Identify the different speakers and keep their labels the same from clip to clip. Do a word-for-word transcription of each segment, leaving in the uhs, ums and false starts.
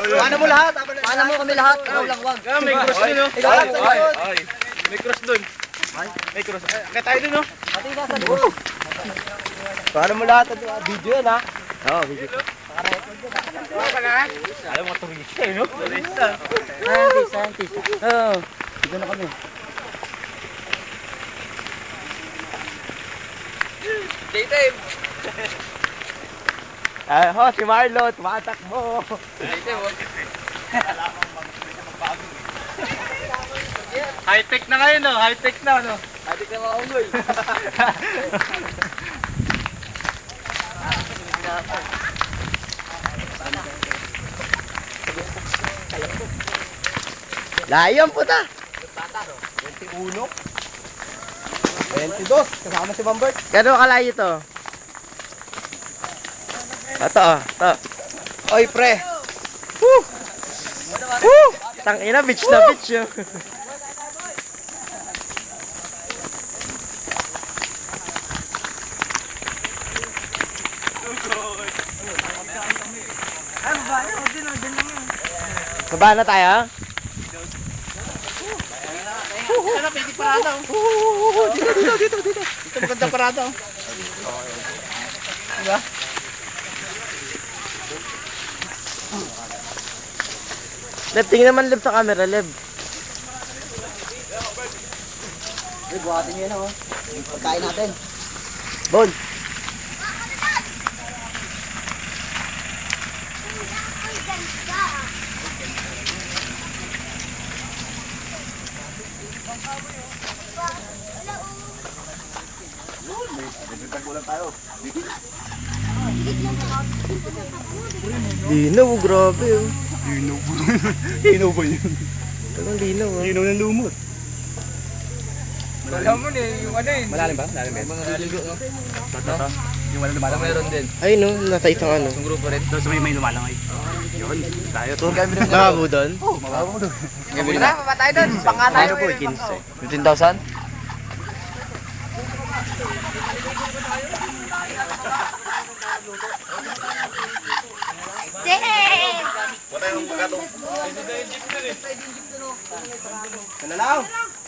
Speaker 1: Paano mo lahat? Paano mo kami lahat? Ikaw lang, wag.
Speaker 2: May cross dun, no?
Speaker 1: Ikaw lang, sa likod.
Speaker 2: May cross dun. May cross. Kaya tayo dun, no?
Speaker 1: Pati ka sa likod. Paano mo lahat? Video yan, ha? Oo, video.
Speaker 2: Alam mo, turista, no? Turista.
Speaker 1: Scientist, scientist. Oo. Dito na kami.
Speaker 2: Daytime.
Speaker 1: Ah, ho, si Marlo, tumatakbo.
Speaker 2: Daytime, oh. High-tech na ngayon, no? High-tech na, no?
Speaker 1: High-tech na mga unggoy. Layo ang puta. twenty-one. twenty-two. Kasama si Bambert. Gano'n kalayo to? Ito, oh. Ito. Oy, pre. Woo! Woo! Tangina, bitch na bitch yun. Baba na tayo?
Speaker 2: Ano, pwede parada,
Speaker 1: oh. Dito, dito, dito, dito.
Speaker 2: Ito maganda parada, oh. Diba?
Speaker 1: Leb, tingin naman Leb sa camera, Leb. Leb, buhatin nyo yun, oh. Pagkain natin. Bon. Linaw, grabe oh.
Speaker 2: Linaw po. Linaw ba yun?
Speaker 1: Talagang linaw oh.
Speaker 2: Linaw ng lumot. Alam mo na yung ano yun.
Speaker 1: Malalim ba? Malalim ba?
Speaker 2: Mga liligo, no? Tata. Yung wala lumalang. Meron din.
Speaker 1: Ay no, nasa isang ano.
Speaker 2: Yung grupo rin. Doon sa may may lumalang ay. Yun. Tayo. Doon kami rin.
Speaker 1: Nakabo doon?
Speaker 2: Oo, mababa doon.
Speaker 1: Wala, papatay doon. Pangka tayo.
Speaker 2: Ano po, fifteen thousand?
Speaker 1: Kanalaw.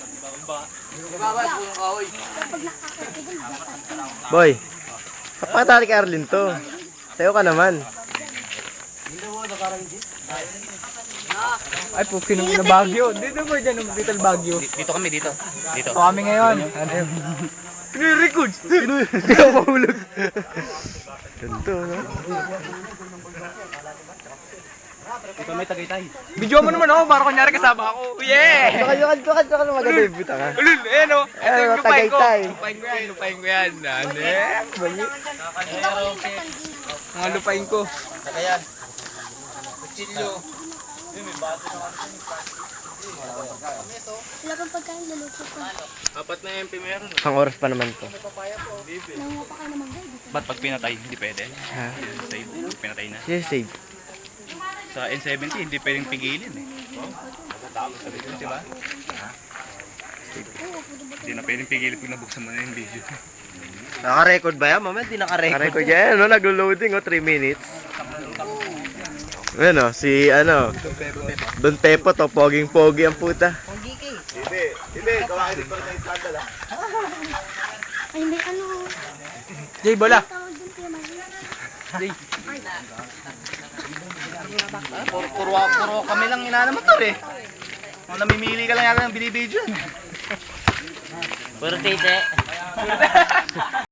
Speaker 1: Boy. Kapatali ka Arlin to. Sayo ka naman.
Speaker 2: Ay, po, kinong na Baguio. Dito ba dyan, Little Baguio? Dito kami, dito. Dito. Ito kami ngayon. Pinirecord.
Speaker 1: Hindi ako mahulog. Ganito, no?
Speaker 2: Ito may Tagaytay. Video mo naman ako, para kunyari kasama ako. Yeah!
Speaker 1: Tsaka, tsaka, tsaka, tsaka na maganda yung buta ka.
Speaker 2: Ulul, ayan o. Ito
Speaker 1: Ayan,
Speaker 2: yung lupain ko.
Speaker 1: Tagaytay.
Speaker 2: Lupain ko yan, lupain ko yan. Ano eh? Mga lupain ko. Kaya. Kuchilyo.
Speaker 3: Wala pang pagkain, luluto ko.
Speaker 2: Apat na M P meron.
Speaker 1: Pang oras pa naman to.
Speaker 3: Nanguha pa kayo naman guys.
Speaker 2: Ba't pag pinatay, hindi pwede?
Speaker 1: Ha?
Speaker 2: Save, pinatay na.
Speaker 1: Sige, save.
Speaker 2: Sa N seventy, hindi pwedeng pigilin eh. Diba? Hindi na pwedeng pigilin pag nabuksan mo na yung video.
Speaker 1: Naka-record ba yan? Mamaya hindi naka-record. Naka-record yan, no? Naglo-loading, oh, three minutes. Ayan, oh, si, ano, Don Pepo to, poging-pogi ang puta.
Speaker 2: Hindi, hindi, kawain din pa rin yung sandal ah.
Speaker 3: Ay, may ano.
Speaker 2: Jay, bola!
Speaker 3: Tawag dun kay Maria.
Speaker 2: Jay. Puro, puro, puro kami lang inanamotor eh. Kung namimili ka lang yata ng binibidyo.
Speaker 1: Puro tite.